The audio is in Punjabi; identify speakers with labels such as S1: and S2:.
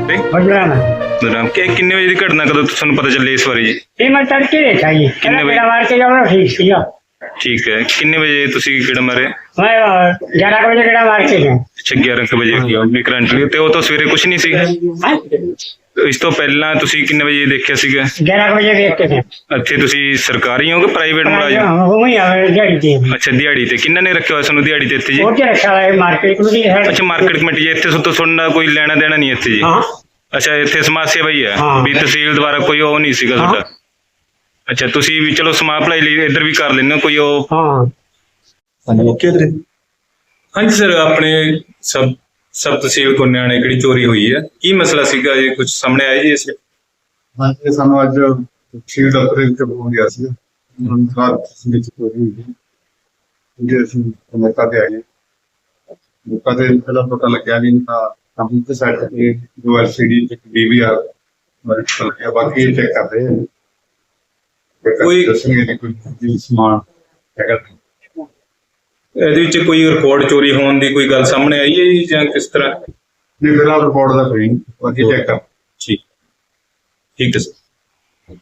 S1: ਤੇ
S2: बजराना
S1: ਕਿੰਨੇ ਵਜੇ ਦੀ ਘਟਨਾ ਕਦੋਂ ਤੁਹਾਨੂੰ ਪਤਾ ਚੱਲੇ ਇਸ ਬਾਰੇ ਜੀ?
S2: ये मैं तड़के देखा जी
S1: कितने बजे?
S2: मेरा मार के जाओ ठीक थी
S1: ਠੀਕ ਹੈ, ਕਿੰਨੇ ਵਜੇ ਤੁਸੀਂ ਕਿਹੜਾ ਮਾਰੇ?
S2: मैं 11 बजे गेड़ा मार के गया
S1: ਅੱਛਾ 11 ਕੁ ਵਜੇ ਵੀ ਕਰੰਟਲੀ ਤੇ ਉਹ ਤਾਂ ਸਵੇਰੇ ਕੁਝ ਨਹੀਂ ਸੀਗਾ। ਇਸ ਤੋਂ ਪਹਿਲਾਂ ਤੁਸੀਂ ਕਿੰਨੇ ਵਜੇ ਦੇਖਿਆ ਸੀਗਾ?
S2: 11 बजे देखते थे
S1: ਇੱਥੇ ਤੁਸੀਂ ਸਰਕਾਰੀ ਹੋ ਕਿ ਪ੍ਰਾਈਵੇਟ ਮੁਲਾਜ਼ਮ?
S2: वही दिहाड़ी थी
S1: ਅੱਛਾ ਦਿਹਾੜੀ ਤੇ ਕਿੰਨਾ ਨੇ ਰੱਖਿਆ ਹੋਇਆ ਤੁਹਾਨੂੰ ਦਿਹਾੜੀ ਤੇ ਇੱਥੇ ਜੀ?
S2: वो क्या रखा है मार्केट में भी है
S1: ਅੱਛਾ ਮਾਰਕੀਟ ਕਮੇਟੀ ਜੀ, ਇੱਥੇ ਤੋਂ ਤੁਹਾਡਾ ਕੋਈ ਲੈਣਾ ਦੇਣਾ ਨਹੀਂ ਇੱਥੇ ਜੀ?
S2: हाँ
S1: ਅੱਛਾ ਇੱਥੇ ਸਮਾਜ ਸੇਵਾ ਹੀ ਹੈ
S2: ਹਾਂ।
S1: ਵੀ ਤਹਿਸੀਲ ਦੁਆਰਾ ਕੋਈ ਉਹ ਨਹੀਂ ਸੀਗਾ ਤੁਹਾਡਾ? ਅੱਛਾ ਤੁਸੀਂ ਵੀ ਚਲੋ ਸਮਾਜ ਭਲਾਈ ਲਈ ਇੱਧਰ ਵੀ ਕਰ ਲੈਂਦੇ ਹੋ ਕੋਈ ਉਹ?
S2: हाँ
S1: ਹਾਂਜੀ ਸਰ, ਆਪਣੇ ਸਬ ਤਹਿਸੀਲ ਕੋਨਿਆਣੇ ਕਿਹੜੀ ਚੋਰੀ ਹੋਈ ਹੈ, ਕੀ ਮਸਲਾ ਸੀਗਾ ਜੀ? ਕੁਝ ਸਾਹਮਣੇ ਆਇਆ ਜੀ ਇਸ?
S3: ਹਾਂਜੀ ਸਾਨੂੰ ਅੱਜ ਤਹਿਸੀਲ ਦਫ਼ਤਰ ਵਿੱਚ ਹੋ ਗਿਆ ਸੀ ਵਿੱਚ ਚੋਰੀ ਹੋਈ ਜਿਹਦੇ ਅਸੀਂ ਮੌਕਾ ਤੇ ਆਏ ਮੌਕਾ ਤੇ ਪਹਿਲਾਂ ਪਤਾ ਲੱਗਿਆ ਵੀ ਤਾਂ ਕੰਪਿਊਟਰ ਸਾਈਟ ਤੇ ਜੋ ਐਲਸੀਡੀ ਤੇ ਡੀਵੀਆਰ ਵਰਕ ਗਿਆ, ਬਾਕੀ ਚੈੱਕ ਕਰਦੇ ਹਾਂ
S1: ਕੋਈ-
S3: ਦੱਸਣਗੇ ਕਿ ਕੋਈ ਸਮਾਨ ਹੈਗਾ।
S1: ਇਹਦੇ ਵਿੱਚ ਕੋਈ ਰਿਕਾਰਡ ਚੋਰੀ ਹੋਣ ਦੀ ਕੋਈ ਗੱਲ ਸਾਹਮਣੇ ਆਈ ਹੈ ਜੀ ਜਾਂ ਕਿਸ ਤਰ੍ਹਾਂ?
S3: ਨਹੀਂ ਫਿਲਹਾਲ ਰਿਪੋਰਟ ਦਾ ਕੋਈ ਨਹੀਂ, ਬਾਕੀ ਚੈੱਕ ਕਰ
S1: ਠੀਕ ਹੈ ਸਰ।